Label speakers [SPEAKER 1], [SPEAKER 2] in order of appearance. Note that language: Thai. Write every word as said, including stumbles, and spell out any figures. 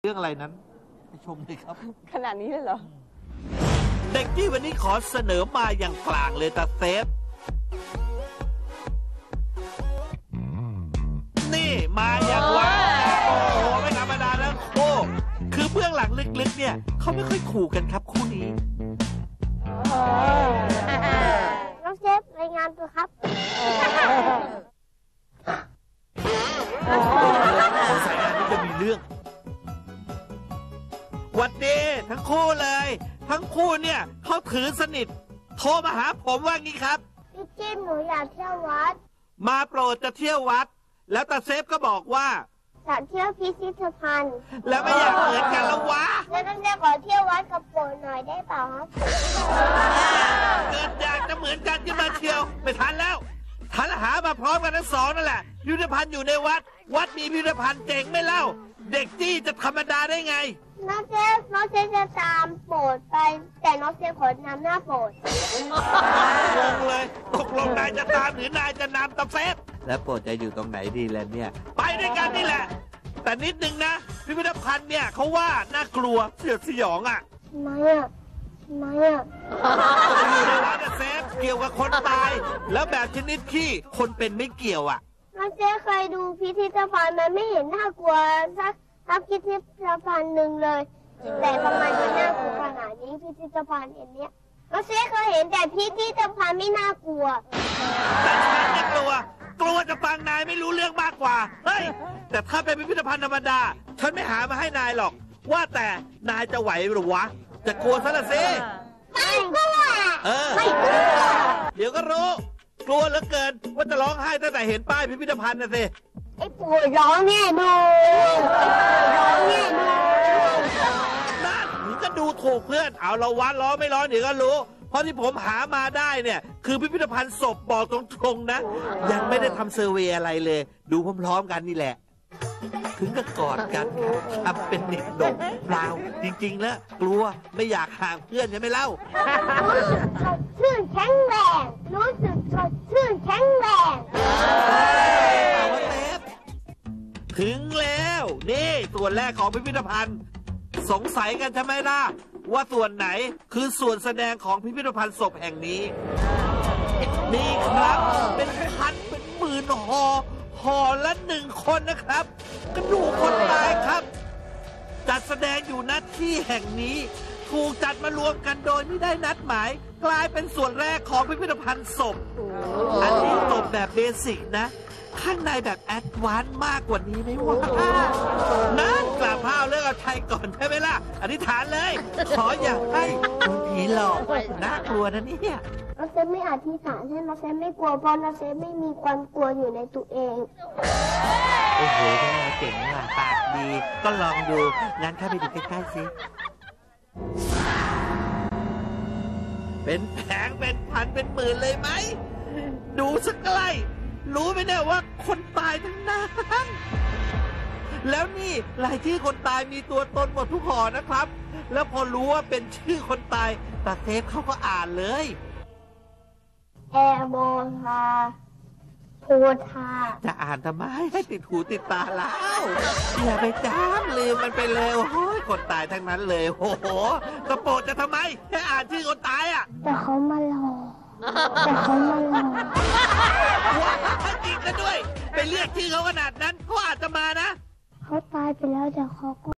[SPEAKER 1] รื่องอะไรนั้นไปชมเลยครับ
[SPEAKER 2] ขนาดนี้เลยเหรอ
[SPEAKER 1] เด็กที่วันนี้ขอเสนอมาอย่างกลางเลยตาเซฟนี่มาอย่างวะโอ้โหไม่ธรรมดาแล้วโอ้คือเบื้องหลังลึกๆเนี่ยเขาไม่ค่อยขู่กันครับคู่นี้
[SPEAKER 3] น้องเซฟรายงานตัวครับ
[SPEAKER 1] สงสัยงานนี้จะมีเรื่องวันดีทั้งคู่เลยทั้งคู่เนี่ยเขาถือสนิทโทรมาหาผมว่างี้ครับ
[SPEAKER 3] พี่จิ้มหนูอยากเที่ยววัด
[SPEAKER 1] มาโปรดจะเที่ยววัดแล้วตาเซฟก็บอกว่า
[SPEAKER 3] อยากเที่ยวพิพิธภัณฑ์
[SPEAKER 1] แล้วไม่อยากเหมือนกันแล้ววะ
[SPEAKER 3] แล้วน้องเซฟขอเที่ยววัดกับโปรดหน่อยได้เปล่าครับ
[SPEAKER 1] เกิดอยากจะเหมือนกันขึ้นมาเที่ยวไม่ทันแล้วทันหามาพร้อมกันทั้งสองนั่นแหละพิพิธภัณฑ์อยู่ในวัดวัดมีพิพิธภัณฑ์เจ๋งไม่เล่าเด็กจี้จะธรรมดาได้ไง
[SPEAKER 3] น้องเซฟน้องเซฟจะตามโปรดไปแต่น้องเซฟขอนำหน้าโปรด
[SPEAKER 1] งงเลยตกลงนายจะตามหรือนายจะนำตาเซฟแล้วโปรดจะอยู่ตรงไหนดีล่ะเนี่ยไปด้วยกันนี่แหละแต่นิดนึงนะพิพิธภัณฑ์เนี่ยเขาว่าน่ากลัวเสียดสยองอ่ะ
[SPEAKER 3] ทำไมอ่ะทำไมอ่ะ
[SPEAKER 1] อยู่ในวัดเซฟเกี่ยวกับคนตายแล้วแบบชนิดที่คนเป็นไม่เกี่ยวอ่ะ
[SPEAKER 3] น้องเซฟเคยดูพิพิธภัณฑ์มันไม่เห็นน่ากลัวสักทับพิพิธภัณฑ์หนึ่งเลยแต่ทำไมมันน่ากลัวขนาดนี้พิพิธภัณฑ์อันเนี้ยน้องเซฟเคยเห็นแต่พิพิธภัณฑ์ไม่น่ากลัว
[SPEAKER 1] แต่ฉันไม่กลัวกลัวจะฟังนายไม่รู้เรื่องมากกว่าเฮ้ยแต่ถ้าเป็นพิพิธภัณฑ์ธรรมดาฉันไม่หามาให้นายหรอกว่าแต่นายจะไหวหรือวะจะกลัวซะละสิ
[SPEAKER 3] ไม่กลัว
[SPEAKER 1] เออไม่กลัวเดี๋ยวก็รู้กลัวเหลือเกินว่าจะร้องไห้ตั้งแต่เห็นป้ายพิพิธภัณฑ์นะสิ
[SPEAKER 3] ไอ้ปู่ร้องแน่ดูร้องแน่ดู
[SPEAKER 1] นั่นมึงก็ดูถูกเพื่อนเอาเราวัดร้องไม่ร้องเดี๋ยวก็รู้เพราะที่ผมหามาได้เนี่ยคือพิพิธภัณฑ์ศพบอกตรงๆนะยังไม่ได้ทำเซอร์เวย์อะไรเลยดูพร้อมๆกันนี่แหละถึงกับกอดกันทำเป็นเด็กดกเปล่าจริงๆแล้วกลัวไม่อยากห่างเพื่อนใช่ไหมเล่า
[SPEAKER 3] รู้สึกสดชื่นแข็งแรงรู้สึกสดชื่นแข็งแรง
[SPEAKER 1] เอาว่าเซฟถึงแล้วนี่ส่วนแรกของพิพิธภัณฑ์สงสัยกันใช่ไหมล่ะว่าส่วนไหนคือส่วนแสดงของพิพิธภัณฑ์ศพแห่งนี้นี่ครับเป็นพันเป็นหมื่นห่อห่อละหนึ่งคนนะครับกระดูกคนตายครับจัดแสดงอยู่ณที่แห่งนี้ถูกจัดมารวมกันโดยไม่ได้นัดหมายกลายเป็นส่วนแรกของพิพิธภัณฑ์ศพอันนี้ศพแบบเบสิกนะข้างในแบบแอดวานซ์มากกว่านี้ไหมวะนั่นกราบพระเรื่องเอาชัยก่อนใช่ไหมล่ะอธิษฐานเลยขออย่าให้โดนผีหลอกน่ากลัวนะเนี่ย
[SPEAKER 3] น้องเซฟไม่อธิษฐานให้น้องเซฟไม่กลัวเพราะน้องเซฟไม่มีความกลัวอยู่ในตัวเอง
[SPEAKER 1] โอ้โหเจ๋งว่ะปากดีก็ลองดูงั้นเข้าไปดูใกล้ๆสิเป็นแผงเป็นพันเป็นหมื่นเลยไหมดูสักใกล้รู้ไหมเนี่ยว่าคนตายทั้งนั้นแล้วนี่รายชื่อคนตายมีตัวตนหมดทุกห่อนะครับแล้วพอรู้ว่าเป็นชื่อคนตายตาเซฟเขาก็อ่านเลย
[SPEAKER 3] แอโบธาโพธา
[SPEAKER 1] จะอ่านทำไมให้ติดหูติดตาแล้วอย่าไปจำลืมมันไปเลยโอ้ยคนตายทั้งนั้นเลยโอ้โหกระโปรงจะทำไมแค่อ่านชื่อคนตายอ่ะ
[SPEAKER 3] แต่เขามาหลอกแต่เขามาหลอก
[SPEAKER 1] ว้าจริงกันด้วยไปเรียกชื่อเขาขนาดนั้นเขาอาจจะมานะ
[SPEAKER 3] เขาตายไปแล้วแต่เขาก็